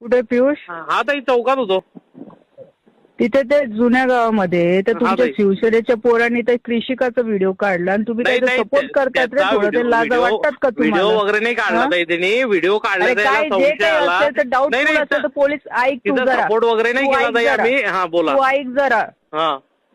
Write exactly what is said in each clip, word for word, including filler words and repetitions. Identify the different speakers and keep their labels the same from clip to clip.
Speaker 1: कुठे पियुष?
Speaker 2: हा ताई चौकात होतो.
Speaker 1: तिथे ते जुन्या गावामध्ये तर
Speaker 2: हा
Speaker 1: तुमच्या
Speaker 2: ताई.
Speaker 1: शिवसेनेच्या पोरांनी ते कृषिकाचा व्हिडिओ काढला आणि तुम्ही
Speaker 2: नाही
Speaker 1: त्याचा
Speaker 2: नाही
Speaker 1: सपोर्ट करतात रे.
Speaker 2: त्याचा
Speaker 1: थोडं ते
Speaker 2: व्हिडिओ
Speaker 1: लाजा
Speaker 2: व्हिडिओ
Speaker 1: वाटतात का
Speaker 2: व्हिडिओ
Speaker 1: तुम्हाला?
Speaker 2: वगैरे नाही काढला
Speaker 1: हा?
Speaker 2: ताई त्यांनी. व्हिडिओ काढला
Speaker 1: अरे
Speaker 2: त्याला
Speaker 1: काय जे
Speaker 2: संशय
Speaker 1: काही
Speaker 2: आला.
Speaker 1: असेल तर
Speaker 2: नाही
Speaker 1: डाऊटफुल
Speaker 2: नाही
Speaker 1: असेल तर पोलीस ऐक तू
Speaker 2: तिथं
Speaker 1: जरा.
Speaker 2: सपोर्ट वगैरे नाही
Speaker 1: तू
Speaker 2: केला
Speaker 1: ऐक
Speaker 2: ताई
Speaker 1: जरा.
Speaker 2: आम्ही. हा बोला.
Speaker 1: तू ऐक जरा.
Speaker 2: हा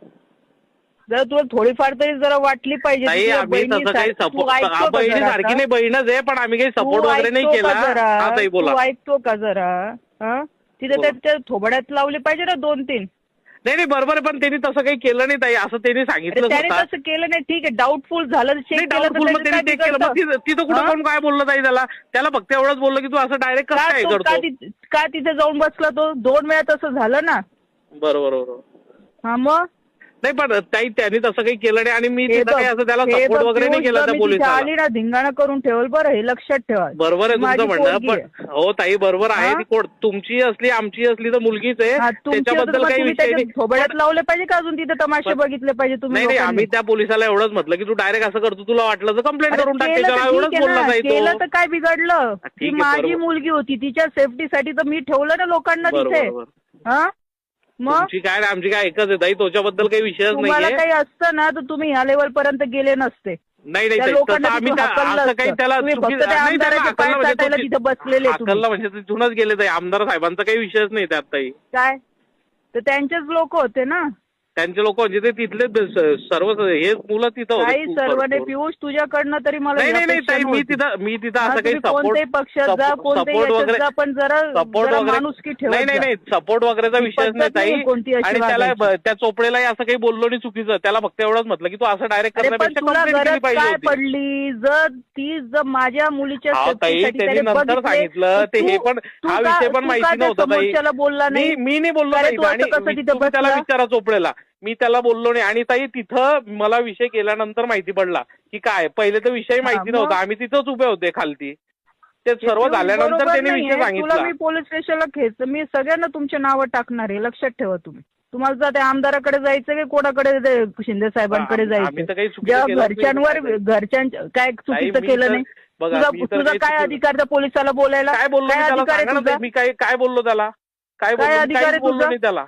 Speaker 1: जरा तुला थोडीफार तरी जरा वाटली पाहिजे.
Speaker 2: ताई
Speaker 1: तुझ्या
Speaker 2: आम्ही तसं काही
Speaker 1: बहिणीसारखी- तू
Speaker 2: सपोर्ट
Speaker 1: ऐकतो का
Speaker 2: बहिणी
Speaker 1: जरा
Speaker 2: सारखी
Speaker 1: आता?
Speaker 2: नाही बहीणच आहे पण आम्ही काही सपोर्ट
Speaker 1: तू
Speaker 2: वगैरे नाही
Speaker 1: ऐकतो
Speaker 2: केला.
Speaker 1: का जरा?
Speaker 2: हा ताई बोला.
Speaker 1: तू ऐकतो का जरा? हा? तिथे
Speaker 2: बोला.
Speaker 1: त्या थोबड्यात लावली पाहिजे ना दोन तीन.
Speaker 2: नाही नाही बरोबर आहे पण त्यांनी तसं काही केलं नाही ताई. असं त्यांनी
Speaker 1: अरे
Speaker 2: सांगितलं
Speaker 1: त्याने
Speaker 2: स्वतः.
Speaker 1: तसं केलं नाही. ठीक आहे डाऊटफुल झालं चेक
Speaker 2: नाही
Speaker 1: केलं तर
Speaker 2: डाऊटफुल मग
Speaker 1: त्याचं
Speaker 2: त्यांनी
Speaker 1: काय
Speaker 2: चेक केलं मग
Speaker 1: बिघडतं?
Speaker 2: तिथं तिथं कुठं
Speaker 1: हा?
Speaker 2: कोण काय बोललं ताई त्याला. त्याला फक्त एवढंच बोललं की तू असं डायरेक्ट कसं
Speaker 1: का
Speaker 2: काय
Speaker 1: तो का
Speaker 2: करतो.
Speaker 1: ति- का तिथे जाऊन बसला तो? दोन वेळा तसं झालं ना.
Speaker 2: बरोबर बरोबर.
Speaker 1: हा मग
Speaker 2: नाही पण ताई त्यांनी तसं काही केलं नाही आणि मी
Speaker 1: हे
Speaker 2: तिथं
Speaker 1: बघ,
Speaker 2: काही असं त्याला
Speaker 1: हे
Speaker 2: सपोर्ट
Speaker 1: बघ,
Speaker 2: वगैरे नाही
Speaker 1: पियुष,
Speaker 2: केला
Speaker 1: जर
Speaker 2: त्या
Speaker 1: मी तिथे
Speaker 2: पोलिसाला.
Speaker 1: आली ना धिंगाणा करून ठेवल बरं. हे लक्षात ठेवा.
Speaker 2: बरोबर आहे
Speaker 1: माझी
Speaker 2: तुमचं म्हणणं
Speaker 1: पोरगी आहे.
Speaker 2: पण हो ताई बरोबर आहे.
Speaker 1: हा?
Speaker 2: ती कोण तुमची असली आमची असली तर मुलगीच आहे.
Speaker 1: हा, तुमची होतं
Speaker 2: त्याच्याबद्दल
Speaker 1: मग
Speaker 2: काही
Speaker 1: तुम्ही
Speaker 2: विषय
Speaker 1: त्याच्या
Speaker 2: नाही.
Speaker 1: थोबड्यात लावले पाहिजे का अजून तिथे तमाशे
Speaker 2: पण-
Speaker 1: बघितले पाहिजे तुम्ही
Speaker 2: नाही नाही
Speaker 1: लोकांनी?
Speaker 2: आम्ही त्या पोलिसाला एवढंच म्हटलं की तू डायरेक्ट असं करतो तुला वाटलं तर कंप्लेंट
Speaker 1: अरे
Speaker 2: करून टाक
Speaker 1: केलं तर
Speaker 2: त्याच्यावर. एवढंच
Speaker 1: ठीक आहे
Speaker 2: बोलला
Speaker 1: ना.
Speaker 2: ताई
Speaker 1: केलं
Speaker 2: तो.
Speaker 1: तर काय बिघडलं?
Speaker 2: ठीक
Speaker 1: ती
Speaker 2: आहे,
Speaker 1: माझी
Speaker 2: बरोबर.
Speaker 1: मुलगी होती. तिच्या सेफ्टीसाठी तर मी ठेवलं ना लोकांना
Speaker 2: बरोबर
Speaker 1: तिथे.
Speaker 2: बरोबर.
Speaker 1: हा मग
Speaker 2: तुमची काय आणि आमची काय एकच आहे ताई. त्याच्याबद्दल काही विषयच
Speaker 1: तुम्हाला
Speaker 2: नाहीये.
Speaker 1: काही असतं ना तर तुम्ही ह्या लेवल पर्यंत गेले नसते.
Speaker 2: नाही नाही
Speaker 1: त्या
Speaker 2: ताई,
Speaker 1: लोकांना
Speaker 2: तसं आम्ही
Speaker 1: तिथून
Speaker 2: त्या-
Speaker 1: हाकललं
Speaker 2: असं काही
Speaker 1: असतं.
Speaker 2: त्याला
Speaker 1: तुम्ही
Speaker 2: चुकी-
Speaker 1: फक्त त्या
Speaker 2: नाही, त्याला
Speaker 1: आमदाराचे पाय
Speaker 2: हाकललं म्हणजे
Speaker 1: चाटायला
Speaker 2: तो-
Speaker 1: तिथे बसलेले तुम्ही.
Speaker 2: हाकललं म्हणजे तिथूनच गेले ताई. आमदार साहेबांचा काही विषयच नाही त्यात ताई.
Speaker 1: काय तर त्यांचेच लोक होते ना.
Speaker 2: त्यांचे लोक म्हणजे ते तिथले स- सर्व हे मुलं तिथं होते
Speaker 1: काही
Speaker 2: खूप
Speaker 1: सर्व नाही.
Speaker 2: भरपूर.
Speaker 1: पियुष तुझ्याकडनं तरी मला
Speaker 2: नाही नाही नाही
Speaker 1: अपेक्षा
Speaker 2: ताई मी
Speaker 1: नव्हती.
Speaker 2: तिथं मी तिथं
Speaker 1: हा,
Speaker 2: असं काही
Speaker 1: तुम्ही
Speaker 2: सपोर्ट
Speaker 1: कोणत्याही पक्षात जा कोणत्याही
Speaker 2: सपोर्ट
Speaker 1: याच्यात
Speaker 2: वगैरे
Speaker 1: जा पण जरा
Speaker 2: सपोर्ट
Speaker 1: जरा
Speaker 2: वगैरे
Speaker 1: माणुसकी ठेवत
Speaker 2: नाही नाही
Speaker 1: जा.
Speaker 2: नाही सपोर्ट वगैरेचा
Speaker 1: ही
Speaker 2: विषयच नाही
Speaker 1: पद्धत
Speaker 2: ताई.
Speaker 1: नाहीये कोणती अशी
Speaker 2: आणि त्याला
Speaker 1: वागायची.
Speaker 2: त्या चोपडेलाही असं काही बोललो नाही चुकीचं. त्याला फक्त एवढंच म्हटलं की तू असं डायरेक्ट
Speaker 1: अरे पण
Speaker 2: करण्यापेक्षा
Speaker 1: तुला
Speaker 2: कंप्लेंट केली
Speaker 1: गरज
Speaker 2: पाहिजे
Speaker 1: काय
Speaker 2: होती.
Speaker 1: पडली? जर ती जर माझ्या मुलीच्या
Speaker 2: हा ताई
Speaker 1: सेफ्टीसाठी
Speaker 2: त्यांनी
Speaker 1: त्याने
Speaker 2: नंतर
Speaker 1: बघितले,
Speaker 2: सांगितलं
Speaker 1: तर
Speaker 2: ते हे
Speaker 1: तू-
Speaker 2: पण
Speaker 1: तू
Speaker 2: हा
Speaker 1: का-
Speaker 2: विषय पण
Speaker 1: तू
Speaker 2: माहिती
Speaker 1: का त्या
Speaker 2: नव्हता ताई.
Speaker 1: समोरच्याला बोलला
Speaker 2: मी
Speaker 1: नाही?
Speaker 2: मी नाही बोललो
Speaker 1: अरे
Speaker 2: ताई.
Speaker 1: तू असं
Speaker 2: आणि
Speaker 1: कसं
Speaker 2: मी-
Speaker 1: तिथं
Speaker 2: तुम्ही त्याला
Speaker 1: बसला?
Speaker 2: विचारा चोपडेला. मी त्याला बोललो नाही आणि ताई तिथं मला विषय केल्यानंतर माहिती पडला की काय पहिले तर विषय माहिती
Speaker 1: मग?
Speaker 2: नव्हता. आम्ही तिथंच उभे होते खालती. ते
Speaker 1: हे
Speaker 2: सर्व
Speaker 1: पियुष
Speaker 2: झाल्यानंतर
Speaker 1: बरोबर
Speaker 2: त्यांनी
Speaker 1: नाहीये.
Speaker 2: विषय
Speaker 1: तुला
Speaker 2: सांगितला.
Speaker 1: मी पोलीस स्टेशनला खेच मी सगळ्यांना तुमचे नावं टाकणार आहे. लक्षात ठेवा तुम्ही. तुम्हाला जर त्या आमदाराकडे जायचं की कोणाकडे ते शिंदे साहेबांकडे
Speaker 2: आम्ही- आम्ही तर काही
Speaker 1: जायचं?
Speaker 2: चुकीचं
Speaker 1: जेव्हा
Speaker 2: केलंच नाही
Speaker 1: घरच्यांवर
Speaker 2: ताई.
Speaker 1: घरच्यांच्या काय चुकीचं
Speaker 2: मी
Speaker 1: केलं
Speaker 2: तर-
Speaker 1: नाही.
Speaker 2: बघा,
Speaker 1: तुझा
Speaker 2: मी तर
Speaker 1: तुझा
Speaker 2: काही
Speaker 1: काय
Speaker 2: चुकीचं-
Speaker 1: अधिकार त्या पोलिसाला बोलायला?
Speaker 2: काय बोललो मी
Speaker 1: काय
Speaker 2: त्याला
Speaker 1: अधिकार आहे
Speaker 2: सांगा ना
Speaker 1: तुझा?
Speaker 2: ताई. मी काय काय बोललो त्याला काय
Speaker 1: काय
Speaker 2: बोललो मी?
Speaker 1: अधिकार
Speaker 2: काहीच
Speaker 1: आहे
Speaker 2: बोललो
Speaker 1: तुझा?
Speaker 2: नाही त्याला.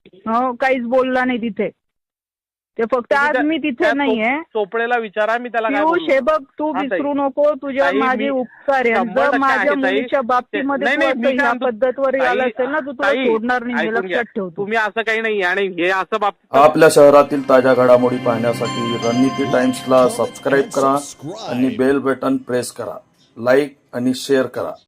Speaker 1: हो काहीच बोलला नाही तिथे. ते फक्त आज
Speaker 2: त्या-
Speaker 1: मी
Speaker 2: त्या
Speaker 1: तिथे नाहीये.
Speaker 2: चोप- चोपडेला विचारा मी त्याला काय
Speaker 1: पियुष
Speaker 2: बोललो.
Speaker 1: हे बघ तू
Speaker 2: हा, ताई.
Speaker 1: विसरू नको तुझ्या
Speaker 2: ताई,
Speaker 1: माझे
Speaker 2: मी
Speaker 1: उपकार आहे.
Speaker 2: शंभर
Speaker 1: जर
Speaker 2: टक्के
Speaker 1: माझ्या
Speaker 2: आहे, ताई.
Speaker 1: मुलीच्या बाबतीमध्ये
Speaker 2: नाही,
Speaker 1: तू
Speaker 2: नाही,
Speaker 1: असं
Speaker 2: मी काय
Speaker 1: ह्या
Speaker 2: म्हणतो-
Speaker 1: पद्धतवर
Speaker 2: ताई,
Speaker 1: आला असेल ना तू तुला
Speaker 2: ताई,
Speaker 1: सोडणार नाही. हे
Speaker 2: ऐकून घ्या.
Speaker 1: लक्षात ठेवतो.
Speaker 2: तुम्ही असं काही नाही आणि हे असं बाबतीत
Speaker 3: आपल्या शहरातील ताज्या घडामोडी पाहण्यासाठी रणनीती टाइम्सला सबस्क्राईब करा आणि बेल बटन प्रेस करा. लाईक आणि शेअर करा.